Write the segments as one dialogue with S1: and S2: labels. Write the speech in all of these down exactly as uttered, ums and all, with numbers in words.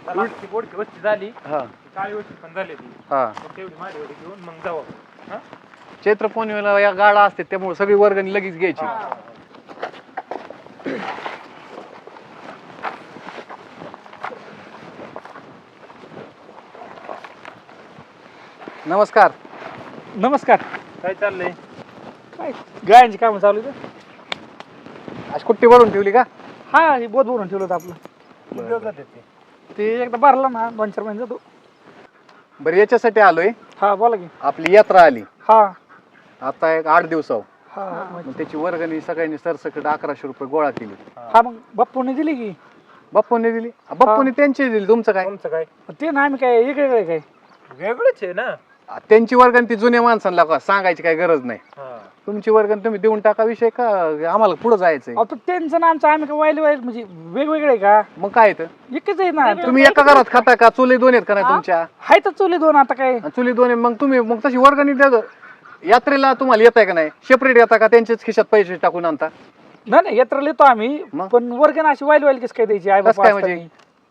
S1: ती बोडकी वस्ती झाली
S2: हा
S1: काळी वस्ती पण झाली ती
S2: हा
S1: तेवढी माझी वडी घेऊन मग जाऊ हा
S2: चैत्र पौर्णिमेला या गाडा असते त्यामुळे सगळी वर्गणी लगेच घ्यायची. नमस्कार.
S3: नमस्कार.
S1: काय चाललंय?
S3: काय गायांची कामं चालू आहेत?
S2: आज कुट्टी भरून ठेवली का?
S3: हा हे बोध भरून ठेवलं होतं आपलं.
S1: किती दिवस झाले ते?
S3: ते एकदा भरला ना दोन चार महिने जातो.
S2: बरं याच्यासाठी आलोय,
S3: हा बोला की.
S2: आपली यात्रा आली
S3: हा
S2: आता एक आठ दिवसावर,
S3: हा
S2: मग त्याची वर्गणी सगळ्यांनी सरसकट अकराशे रुपये गोळा केली.
S3: हा मग बाप्पूने दिली की.
S2: बाप्पूने दिली? बाप्पूने त्यांची दिली, तुमचं काय?
S1: तुमचं काय
S3: ते ना आम्ही काय वेगळे काय
S1: वेगळंच आहे ना.
S2: त्यांची वर्गणी ती जुन्या माणसांना का सांगायची काही गरज नाही.
S1: हा
S2: तुमची वर्गणी तुम्ही देऊन टाका, विषय का आम्हाला पुढे जायचंय.
S3: अहो तर त्यांचं ना आमचं आम्ही काय वाईल वाईल म्हणजे वेगवेगळे आहे का?
S2: मग काय तर
S3: एकच आहे ना.
S2: तुम्ही एका घरात खाता का? चुली दोन आहेत का नाही तुमच्या?
S3: हाय तर चुली दोन आता काय.
S2: आणि चुली दोन आहे, मग तुम्ही मग तशी वर्गणी द्या. यात्रेला तुम्हाला येत आहे का नाही? सेपरेट येता का त्यांच्याच खिशात पैसे टाकून आणता?
S3: नाही नाही यात्रा येतो आम्ही,
S2: मग?
S3: पण वर्गण अशी वाईल वाईल कसं काय द्यायची? आई
S2: कसं
S3: बाबा
S2: काय
S3: असतात
S2: म्हणजे?
S3: नाही.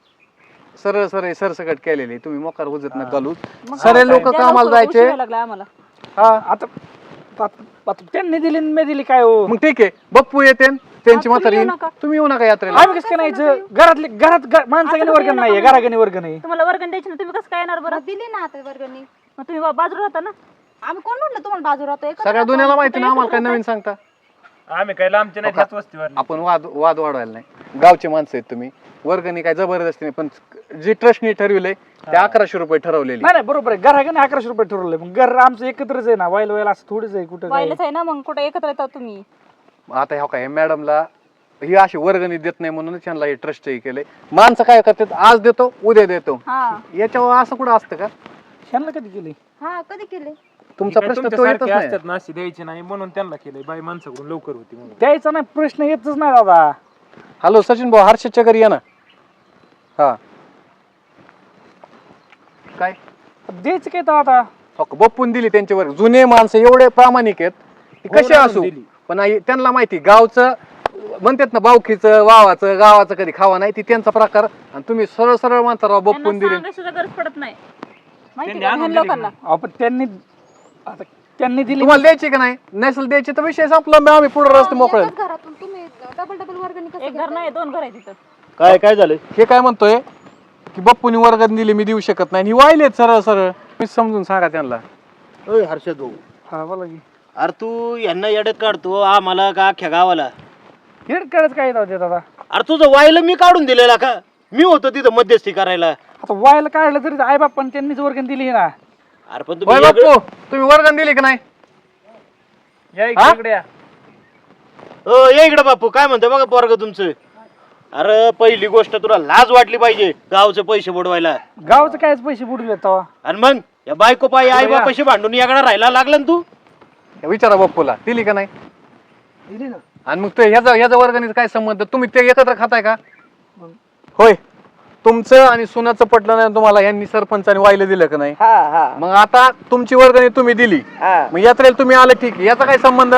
S2: सरळ सरळ सरसकट केलेली तुम्ही मोकार उजत न घालू.
S4: मग
S2: सगळे
S4: आता
S2: लोक
S4: त्या
S2: कामाला
S4: लवकर
S2: जायचे.
S4: उशिरा लागला आम्हाला.
S3: हा आता आता- आता त्यांनी दिली आणि मी दिली काय हो?
S2: मग ठीक आहे, बप्पू येते त्यांची
S4: तुम्ही
S2: म्हातारी
S4: येऊ
S2: येईन.
S4: नका.
S2: तुम्ही येऊ नका यात्रेला.
S3: आम्ही कसं काय नाही यायचं? घरातले घरात घ- माणसाने
S4: आता
S3: वर्गण
S4: तुम्ही
S3: नाहीये,
S4: नका
S3: घरागणी वर्गण नाही.
S4: तुम्हाला वर्गण द्यायची ना, तुम्ही कसं काय येणार बरं?
S5: दिली ना आता वर्गणी.
S4: मग तुम्ही बा- बाजूला राहता ना.
S5: आम्ही कोण म्हणलं तुम्हाला बाजू राहतोय?
S2: सगळ्या दुनियाला माहिती ना, आम्हाला काय नवीन सांगता.
S1: आम्ही काय लांबचे नाही त्याच वस्तीवर.
S2: आपण वाद वाद वाढवायला नाही. गावचे माणसं आहेत तुम्ही, वर्गणी काय जबरदस्ती नाही, पण जे ट्रस्टनी ठरविलंय ते अकराशे रुपये ठरवलेली.
S3: नाही नाही बरोबर आहे, घरागणी अकराशे रुपये ठरवले. मग घर आमचं एकत्रच आहे ना, वाईल वाईल असं थोडीच आहे कुठं काय.
S4: वाईलच आहे ना, मग कुठे एकत्र येतात तुम्ही?
S2: आता ह्या काय मॅडमला ही अशी वर्गणी देत नाही म्हणून त्यांना हे ट्रस्ट हे केलंय. माणसं काय करतात, आज देतो उद्या देतो,
S4: हा
S2: याच्यावर असं कुठं असतं का?
S3: ह्यांना कधी केली?
S5: हा कधी केले?
S2: तुमचा प्रश्न तो येतच नाही.
S1: असतात ना अशी द्यायची नाही म्हणून त्यांना केलंय. बाई माणसाकडून लवकर होती म्हणून.
S3: द्यायचा नाही प्रश्न येतच नाही दादा.
S2: हॅलो सचिन भाऊ, हर्षदच्या घरी या ना. हा काय
S3: द्यायचं काय तर आता?
S2: हो का, बप्पून दिली त्यांच्यावर. जुने माणसं एवढे प्रामाणिक आहेत की
S1: हो
S2: कसे
S1: ना,
S2: असू,
S1: दिली.
S2: पण आई- त्यांना माहिती गावचं म्हणतात ना, बावखीचं वावाचं गावाचं कधी खावा नाही, ती त्यांचा प्रकार. आणि तुम्ही सरळ सरळ म्हणता राव बप्पून
S4: त्यांना
S2: दिली.
S4: सांगायची सुद्धा गरज पडत नाही माहिती
S1: त्यांनी
S4: का
S1: आणून
S4: ह्या
S1: दिली
S4: लोकांना.
S3: अहो, पण त्यांनी आता त्यांनी दिली.
S2: तुम्हाला द्यायची का नाही? नसेल द्यायची तर विषय संपला, मग आम्ही पुढे रस्ते मोकळे.
S5: एकाच घरातून तुम्ही डबल डबल वर्गणी कसं
S4: एक घर नाही दोन घर आहे तिथं.
S6: काय काय झालं?
S2: हे काय म्हणतोय की बप्पूनी वर्गात दिली, मी देऊ शकत नाही, ही वाहिलेत सरळ सरळ. मी समजून सांगा त्यांना.
S6: ओय हर्षद भाऊ,
S3: हा बोला की.
S6: अरे तू यांना येड्यात काढतो आम्हाला का अख्ख्या गावाला?
S3: हेड काढत काय येतात दादा?
S6: अरे तुझं वायला मी काढून दिलेला का? मी होतो तिथं मध्यस्थी करायला.
S3: आता वायला काढलं तरी आई बाप्पाने त्यांनीच वर्गण दिली ना.
S6: अरे पण
S2: होय
S6: तुम्ही
S2: बाप्पू,
S6: वेगळं-
S2: तुम्ही वर्गण दिली का नाही?
S1: या
S2: हा?
S1: इकडे या.
S6: ओ ये इकडे बापू, काय म्हणतो बघा पोरग तुमचं. अरे पहिली गोष्ट तुला लाज वाटली पाहिजे गावचे पैसे बुडवायला.
S3: गावचं कायच पैसे बुडले तेव्हा.
S6: आणि मग या बायको पायी आई बापाशी भांडून याकडे राहायला लागला ना तू.
S2: विचारा बप्पूला दिली का नाही.
S3: दिली ना.
S2: आणि मग ते ह्याचा ह्याचा वर्गणीचा काय संबंध? तुम्ही ते एकत्र खाताय का? होय, तुमचं आणि सुनाचं पटलं नाही तुम्हाला, यांनी सरपंचाने वाहिलं दिलं का नाही?
S7: हा हा
S2: मग आता तुमची वर्गणी तुम्ही दिली,
S7: हा
S2: मग यात्रेला तुम्ही आले, ठीक आहे, याचा काय संबंध?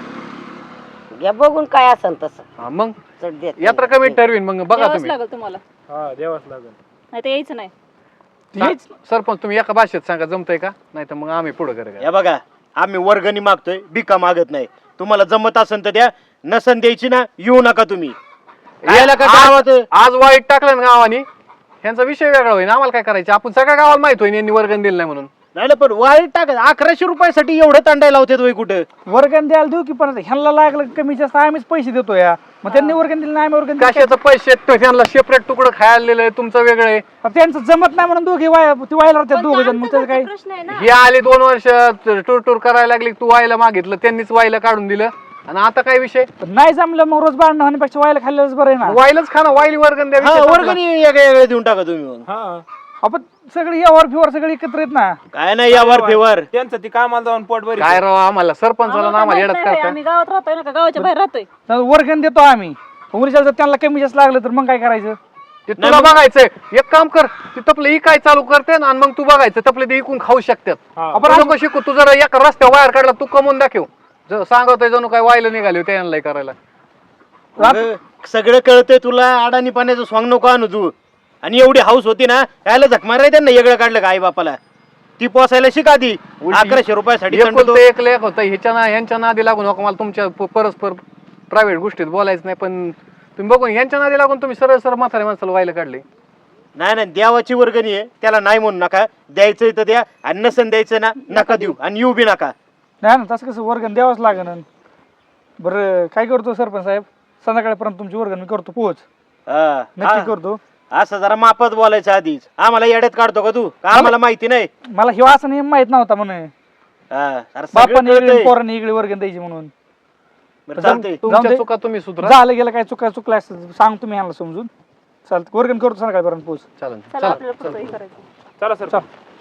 S7: या बघून काय असेल तसं
S2: हा, मग
S7: चढ देत
S2: यात्रा कमी ठरवीन, मग बघा
S4: द्यावंच
S2: तुम्ही.
S4: लागेल तुम्हाला,
S1: हा द्यावाच लागेल.
S4: नाही तर यायचं नाही.
S3: हेच
S2: सरपंच तुम्ही एका भाषेत सांगा, जमतंय का? नाही तर मग आम्ही पुढे करू.
S6: या बघा, आम्ही वर्गणी मागतोय, बिका मागत नाही. तुम्हाला जमत असेल तर द्या, नसन द्यायची ना येऊ नका तुम्ही. यायला का गावात?
S2: आज आज वाईट टाकलं ना गावाने, ह्यांचा विषय वेगळा होईल. आम्हाला काय करायचं? आपण सगळ्या गावाला माहित होईल यांनी वर्गण दिलं नाही म्हणून.
S6: नाही ना, पण वाईट टाक. अकराशे रुपयासाठी एवढं तांडायला होते तुम्ही कुठं?
S3: वर्गण द्यायला देऊ की, पण ह्यांना लागलं कमी जास्त आम्हीच पैसे देतो या. मग त्यांनी वर्गण दिलं नाही, आम्ही वर्गण दिलं.
S2: कशाचं पैसे तो त्यांना सेपरेट तुकडं खायला दिलंय, तुमचं वेगळं आहे.
S3: त्यांचं जमत नाही म्हणून दोघे वाय ती वायला राहतात दोघ जण. मग त्याचं काय?
S5: प्रश्न आहे ना.
S2: हे आले दोन वर्ष टूर टूर करायला लागली, तू वायला मागितलं, त्यांनीच वायला काढून दिलं. आणि आता काय विषय?
S3: पण नाही जमलं मग रोज भांडणं होण्यापेक्षा वायला खाल्लेलंच बरं आहे ना.
S2: वायलाच खा ना, वायली वर्गण द्या.
S6: हा,
S2: विषय संपला.
S6: वर्गणी वेगळ्या वेगळ्या देऊन टाका तुम्ही मग.
S1: हा
S3: आपण सगळे यावर फिवर सगळे एकत्र येत ना.
S6: काय नाही यावर फेवर.
S1: त्यांचं ती कामाला जाऊन पोट बरी.
S2: काय राव, आम्हाला सरपंचाला ना
S4: आम्हाला
S2: आम्हाला
S4: माहित
S2: येडत
S4: नाही बाई,
S2: करता.
S4: आम्ही गावात राहतोय ना का गावाच्या बाहेर राहतोय.
S3: तर वर्गण देतो आम्ही. उद्या जर त्यांना कमी जास्त लागलं तर मग काय करायचं?
S2: ते तुला बघायचंय, एक काम कर, ते तपलं इकाय चालू करते आणि मग तू बघायचं, तपले ते इकून खाऊ शकतात.
S1: हा.
S2: आपण नको शिकू, तू जरा एका रस्त्यावर बाहेर काढला, तू कमवून दाखव. ज- सांगतोय जणू काय वायला निघाले त्यांना करायला.
S6: अगं, सगळं कळतंय तुला, अडाणी पाण्याचं स्वांग नको आणू तू. आणि एवढी हाऊस होती ना यायला झक माराय त्यांना वेगळं काढलं का आई बापाला ती पोसायला शिका आधी अकराशे रुपयासाठी दंड तो.
S2: एकुलतं एक लेख होतं ह्याच्या ना यांच्या नादी लागून नका मला तुमच्या प- परस्पर प्रायव्हेट गोष्टीत बोलायचं नाही, पण तुम्ही बघून यांच्या नादी लागून तुम्ही सरळ सरळ म्हाताऱ्या माणसाला व्हायला काढले.
S6: नाही नाही देवाची वर्गणी आहे त्याला नाही म्हणू नका द्यायचं तर द्या आणि नसन द्यायचं ना नका देऊ आणि येऊ बी नका.
S3: नाही ना तसं कसं वर्गण द्यावंच लागेल. बरं काय करतो सरपंच साहेब, संध्याकाळपर्यंत तुमची वर्गण मी करतो पोहोच
S6: हा,
S3: नक्की
S6: हा.
S3: करतो.
S6: असं जरा मापत बोलायचं आधीच आम्हाला येड्यात काढतो का तू का आम्हाला माहिती नाही.
S3: मला हे असं नियम माहित नव्हता म्हणून
S6: हा, अरे सगळं
S3: बापाने
S6: कळतंय.
S3: इकडे पोरांनी इकडे वर्गण द्यायची म्हणून.
S6: बरं, चालतंय.
S2: तुमच्या
S3: दे.
S2: चुका तुम्ही सुधरा.
S3: झालं गेलं काय चुका चुकल्या असतं सांग तुम्ही ह्याला समजून. चालतं वर्गण करतो संध्याकाळपर्यंत पोहोच.
S2: चालेल
S4: चला
S2: चला
S4: आपल्याला फक्त हे करायचं.
S1: चला सर
S3: चल.